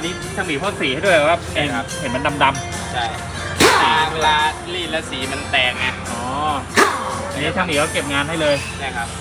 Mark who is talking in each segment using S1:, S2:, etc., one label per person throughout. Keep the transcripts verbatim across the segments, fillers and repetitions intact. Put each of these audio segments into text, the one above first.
S1: นนี้ช่างหมีพ่นสีให้ด้วยว่าเองครับเห็นมันดำๆ
S2: ใช่เวลารีดแล้วสีมันแตกไง
S1: อ๋ออันนี้ช่างหมีเขาเก็บงานให้เลย
S2: ใช่ครับ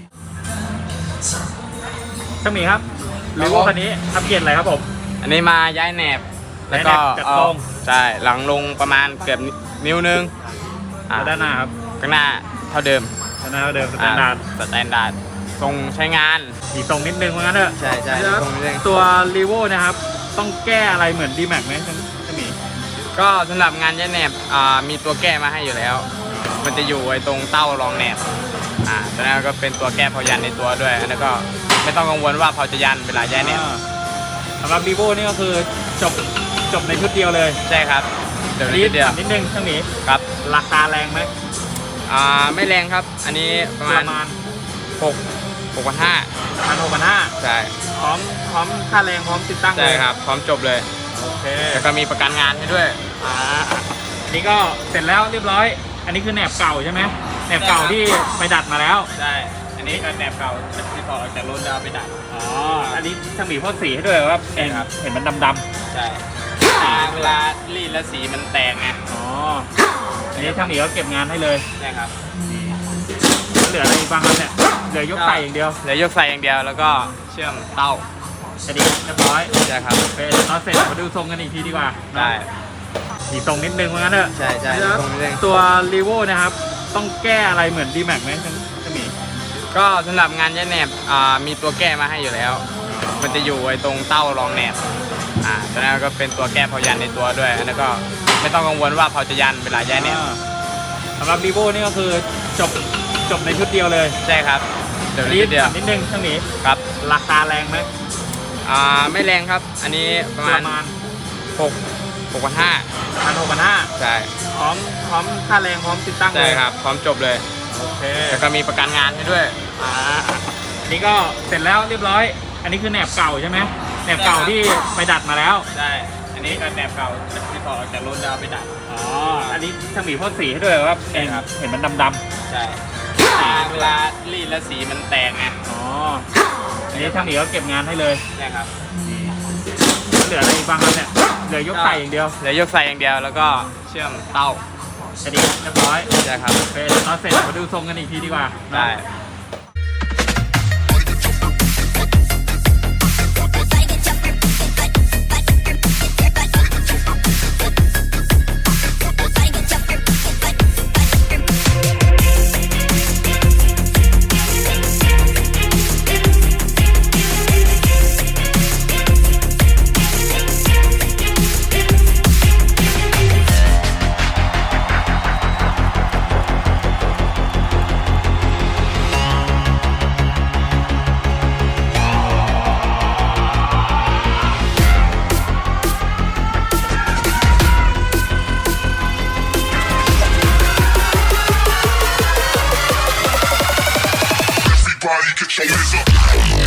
S1: ช่างหมีครับหรือว่าคันนี้ทำเปลี่ยนอะไรครับผม
S2: อันนี้มาย้ายแหนบแล้วก็เอาใช่หลังลงประมาณเกือบนิ้วนึง
S1: ด้านหน้าครับ
S2: ข้างหน้าเท่าเดิม
S1: ด้านหน้าเท่าเดิมสแตนดาร์ด
S2: สแตนดาร์ดทรงใช้งาน
S1: อีกตรงนิดนึงเหมือนกันเถอะ
S2: ใช่ใช่
S1: ตัวรีโวนะครับต้องแก้อะไรเหมือนดีแม็กไหมช่างหมี
S2: ก็สำหรับงานย้ายแหนบมีตัวแก้มาให้อยู่แล้วมันจะอยู่ไอ้ตรงเต้ารองแหนบอ่าแต่นั้นก็เป็นตัวแก้เผายันในตัวด้วยแล้วก็ไม่ต้องกังวลว่าเผาจะยันเวลาย้ายแหนบ
S1: สำหรับรีโวนี่ก็คือจบจบในชุดเดียวเลย
S2: ใช่ครับ
S1: เดี๋ยวนิดเดียวนิดนึงช่างหมี
S2: ครับ
S1: ราคาแรงไหม
S2: อ่าไม่แรงครับอันนี้ประมาณหกหกพันห้า
S1: พันหกพันห้า
S2: ใช่
S1: พร้อมพร้อมค่าแรงพร้อมติดตั้ง
S2: เลยใช่ครับพร้อมจบเลย
S1: โอเค
S2: แล้วก็มีประกันงานให้ด้วย
S1: อ่านี่ก็เสร็จแล้วเรียบร้อยอันนี้คือแหนบเก่าใช่ไหมแหนบเก่าที่ไปดัดมาแล้ว
S2: ใช่อันนี้ก็แหนบเก่าที่ต่อจากรุ่นแล้วไปดัด
S1: อ๋ออันนี้ช่างหมีพ่นสีให้ด้วยว่าเองเห็นมันดำ
S2: ๆใช่เวลารีดแล้วสีมันแตกไง
S1: อ๋ออันนี้ช่างหมีเขาเก็บงานให้เลย
S2: ใช่ครับ
S1: เหลืออะไรบ้างครับเนี่ยเหลือยกใส่อย่างเดียว
S2: เหลือยกใส่อย่างเดียวแล้วก็เชื่อมเต้า
S1: แค่นี้เรียบร้อย
S2: ใช่ครับ
S1: โอเคตอนเสร็จมาดูทรงกันอีกทีดีกว่า
S2: ได้
S1: อีกตรงนิดนึงเหมือนกันเถอะ
S2: ใช่ใช่
S1: ตัวรีโวนะครับต้องแก้อะไรเหมือนดีแม็กไหมช่างหมี
S2: ก็สำหรับงานย้ายแหนบมีตัวแก้มาให้อยู่แล้วมันจะอยู่ไอ้ตรงเต้ารองแหนบอ่าแต่นั้นก็เป็นตัวแก้เผายันในตัวด้วยแล้วก็ไม่ต้องกังวลว่าเผาจะยันเวลาย้ายแหนบ
S1: สำหรับรีโวนี่ก็คือจบจบในชุดเดียวเลย
S2: ใช่ครับ
S1: เดี๋ยวนิดเดียวนิดนึงช่างหมี
S2: ครับ
S1: ราคาแรงไหม
S2: อ่าไม่แรงครับอันนี้ประมาณหกหกพันห้า
S1: พันหกพันห้า
S2: ใช่
S1: พร้อมพร้อมค่าแรงพร้อมติดตั้งเลย
S2: ใช่ครับพร้อมจบเลย
S1: โอเค
S2: แล้วก็มีประกันงานให้ด้วย
S1: อ่าอันนี้ก็เสร็จแล้วเรียบร้อยอันนี้คือแหนบเก่าใช่ไหมแหนบเก่าที่ไปดัดมาแล้ว
S2: ใช่อันนี้ก็แหนบเก่าที่ต่อจากรุ่นแล้วไปดัด
S1: อ๋ออันนี้ช่างหมีพ่นสีให้ด้วยว่าเองเห็นมันดำ
S2: ๆใช่เวลารีดแล้วสีมันแตกไง
S1: อ๋ออันนี้ช่างหมีเขาเก็บงานให้เลย
S2: ใช่ครับ
S1: เหลืออะไรบ้างครับเนี่ยเหลือยกใส่อย่างเดียว
S2: เหลือยกใส่อย่างเดียวแล้วก็เชื่อมเต้า
S1: แค่นี้เรียบร้อย
S2: ใช่ครับ
S1: โอเคตอนเสร็จมาดูทรงกันอีกทีดีกว่า
S2: ได้ Get your hands up.